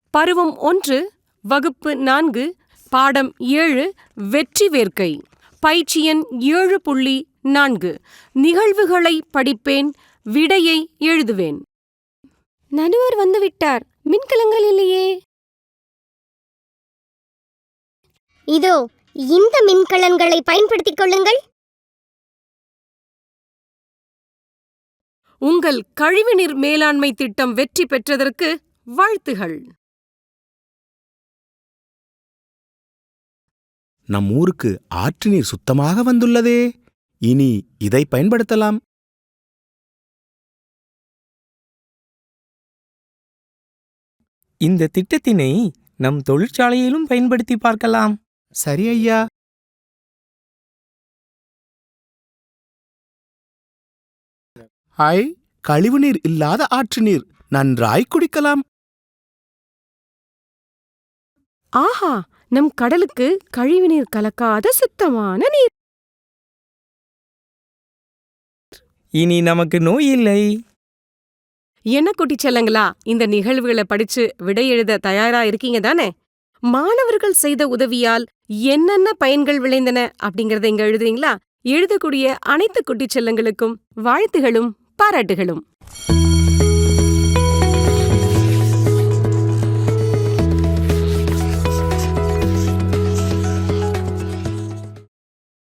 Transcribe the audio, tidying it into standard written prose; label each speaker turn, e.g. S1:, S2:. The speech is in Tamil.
S1: பருவம் 1, வகுப்பு 4, பாடம் 7, வெற்றி வேர்க்கை. பயிற்சி எண் 7.4. நிகழ்வுகளை படிப்பேன், விடையை எழுதுவேன். நடுவர் வந்துவிட்டார். மின்கலங்கள் இல்லையே.
S2: இதோ இந்த மின்கலன்களை பயன்படுத்திக் கொள்ளுங்கள்.
S1: உங்கள் கழிவுநீர் மேலாண்மை திட்டம் வெற்றி பெற்றதற்கு வாழ்த்துகள்.
S3: நம் ஊருக்கு ஆற்று நீர் சுத்தமாக வந்துள்ளதே. இனி இதை பயன்படுத்தலாம்.
S4: இந்த திட்டத்தினை நம் தொழிற்சாலையிலும் பயன்படுத்தி பார்க்கலாம்.
S3: சரி ஐயா. கழிவுநீர் இல்லாத ஆற்று நீர் நன்றாய் குடிக்கலாம்.
S1: ஆஹா, நம் கடலுக்கு கழிவுநீர் கலக்காத சுத்தமான நீர்.
S4: இனி நமக்கு நோய் இல்லை.
S1: என்ன குட்டிச் செல்லங்களா, இந்த நிகழ்வுகளை படிச்சு விடை எழுத தயாரா இருக்கீங்க தானே? மாணவர்கள் செய்த உதவியால் என்னென்ன பயன்கள் விளைந்தன அப்படிங்கறத இங்க எழுதுறீங்களா? எழுதக்கூடிய அனைத்து குட்டிச் செல்லங்களுக்கும் வாழ்த்துகளும் பாராட்டுகளும்.